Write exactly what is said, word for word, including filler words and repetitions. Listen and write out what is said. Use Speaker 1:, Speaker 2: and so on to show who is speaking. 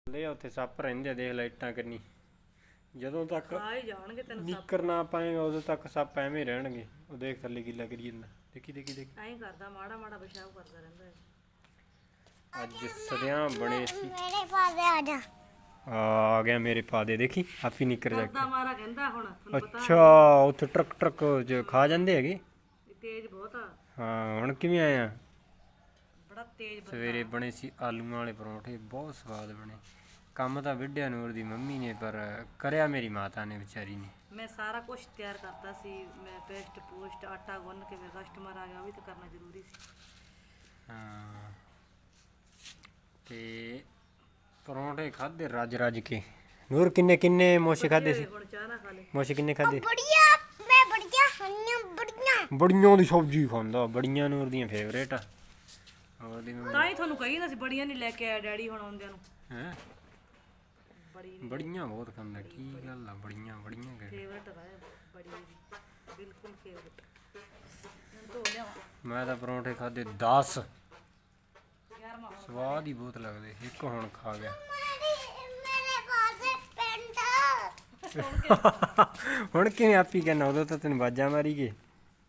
Speaker 1: ਲੈ ਉੱਥੇ ਸੱਪ ਰਹਿੰਦੇ ਆ, ਦੇਖ ਲਾਈਟਾਂ ਕਿੰਨੀ। ਜਦੋਂ ਤੱਕ
Speaker 2: ਆ ਹੀ ਜਾਣਗੇ ਤੈਨੂੰ ਸੱਪ।
Speaker 1: ਨਿੱਕਰ ਨਾ ਪਾਏਗਾ ਉਦੋਂ ਤੱਕ ਸੱਪ ਐਵੇਂ ਹੀ ਰਹਿਣਗੇ। ਉਹ ਦੇਖ ਥੱਲੇ ਗਿੱਲਾ ਕਰੀ ਜਾਂਦਾ, ਦੇਖੀ ਦੇਖੀ ਦੇਖੀ।
Speaker 2: ਐਂ ਕਰਦਾ ਮਾੜਾ ਮਾੜਾ ਪਿਸ਼ਾਬ ਕਰਦਾ ਰਹਿੰਦਾ ਹੈ।
Speaker 1: ਅੱਜ ਸਦਿਆਂ ਬਣੇ ਸੀ।
Speaker 3: ਮੇਰੇ ਪਾਸ ਆ ਜਾ।
Speaker 1: ਆ ਗਿਆ ਮੇਰੇ ਪਾਦੇ, ਦੇਖੀ ਆਪੀ ਨਿੱਕਰ ਜਾ
Speaker 2: ਕਰਦਾ ਮਾਰਾ ਕਹਿੰਦਾ ਹੁਣ ਤੁਹਾਨੂੰ ਪਤਾ
Speaker 1: ਅੱਛਾ ਉੱਥੇ ਟਰੱਕ ਟਰੱਕ ਚ ਖਾ ਜਾਂਦੇ ਹੈਗੇ।
Speaker 2: ਇਹ ਤੇਜ਼ ਬਹੁਤ ਆ,
Speaker 1: ਹਾਂ ਹੁਣ ਕਿਵੇਂ ਆਇਆ?
Speaker 2: ਬੜਾ ਤੇਜ਼ ਬੰਦਾ।
Speaker 1: ਸਵੇਰੇ ਬਣੇ ਸੀ ਆਲੂਆਂ ਵਾਲੇ ਪਰੌਂਠੇ, ਬਹੁਤ ਸਵਾਦ ਬਣੇ। ਕੰਮ ਤਾਂ ਵਿੱਢਿਆ ਨੂਰ ਦੀ ਮੰਮੀ ਨੇ, ਪਰ ਕਰਿਆ ਮੇਰੀ ਮਾਤਾ ਨੇ ਵਿਚਾਰੀ ਨੇ।
Speaker 2: ਮੈਂ ਸਾਰਾ ਕੁਝ ਤਿਆਰ ਕਰਤਾ ਸੀ। ਮੈਂ ਪੇਸਟ ਪੋਸਟ ਆਟਾ ਗੁੰਨ ਕੇ ਫਿਰ ਕਸਟਮਰ ਆ ਗਿਆ, ਉਹ ਵੀ ਤਾਂ ਕਰਨਾ ਜ਼ਰੂਰੀ ਸੀ।
Speaker 1: ਹਾਂ ਤੇ ਪਰੌਂਠੇ ਖਾਦੇ ਰੱਜ ਰੱਜ ਕੇ। ਨੂਰ ਕਿੰਨੇ ਕਿੰਨੇ ਮੋਸ਼ੇ ਖਾਦੇ ਸੀ?
Speaker 2: ਹੁਣ ਚਾਹ ਨਾ ਖਾ ਲੈ।
Speaker 1: ਮੋਸ਼ੇ ਕਿੰਨੇ ਖਾਦੇ?
Speaker 3: ਬੜੀਆ ਮੈਂ ਬੜੀਆ ਹੰਨੀਆਂ ਬੜੀਆਂ।
Speaker 1: ਬੜੀਆਂ ਦੀ ਸਬਜ਼ੀ ਖਾਂਦਾ, ਬੜੀਆਂ ਨੂਰ ਦੀਆਂ ਫੇਵਰੇਟ ਆ। ਉਹਦੀ ਮੰਮੀ
Speaker 2: ਤਾਂ ਹੀ ਤੁਹਾਨੂੰ ਕਹੀ ਨਾ ਸੀ ਬੜੀਆਂ ਨਹੀਂ ਲੈ ਕੇ ਆਇਆ ਡੈਡੀ ਹੁਣ ਆਉਂਦਿਆਂ ਨੂੰ।
Speaker 1: ਹੈ
Speaker 2: ਬੜੀ
Speaker 1: ਬੜੀਆਂ ਬਹੁਤ ਖਾਂਦਾ। ਕੀ ਗੱਲ ਆ, ਬੜੀਆਂ ਬੜੀਆਂ ਗਏ।
Speaker 2: ਫੇਵਰਟ ਹੈ ਬੜੀ ਦੀ, ਬਿਲਕੁਲ ਫੇਵਰਟ। ਧੋ ਲਿਆਵਾਂ
Speaker 1: ਮੈਂ ਤਾਂ ਪਰੌਂਠੇ ਖਾਦੇ ਦਸ।
Speaker 2: ਗਿਆਰਵਾਂ
Speaker 1: ਸਵਾਦ ਹੀ ਬਹੁਤ ਲੱਗਦੇ। ਇੱਕ ਹੁਣ ਖਾ ਗਿਆ।
Speaker 3: ਮੇਰੇ ਪਾਸ ਪੈਂਟ।
Speaker 1: ਹੁਣ ਕਿਵੇਂ ਆਪੀ ਕਹਿੰਦਾ? ਉਦੋਂ ਤਾਂ ਤੈਨੂੰ ਬਾਜਾਂ ਮਾਰੀ ਗਏ।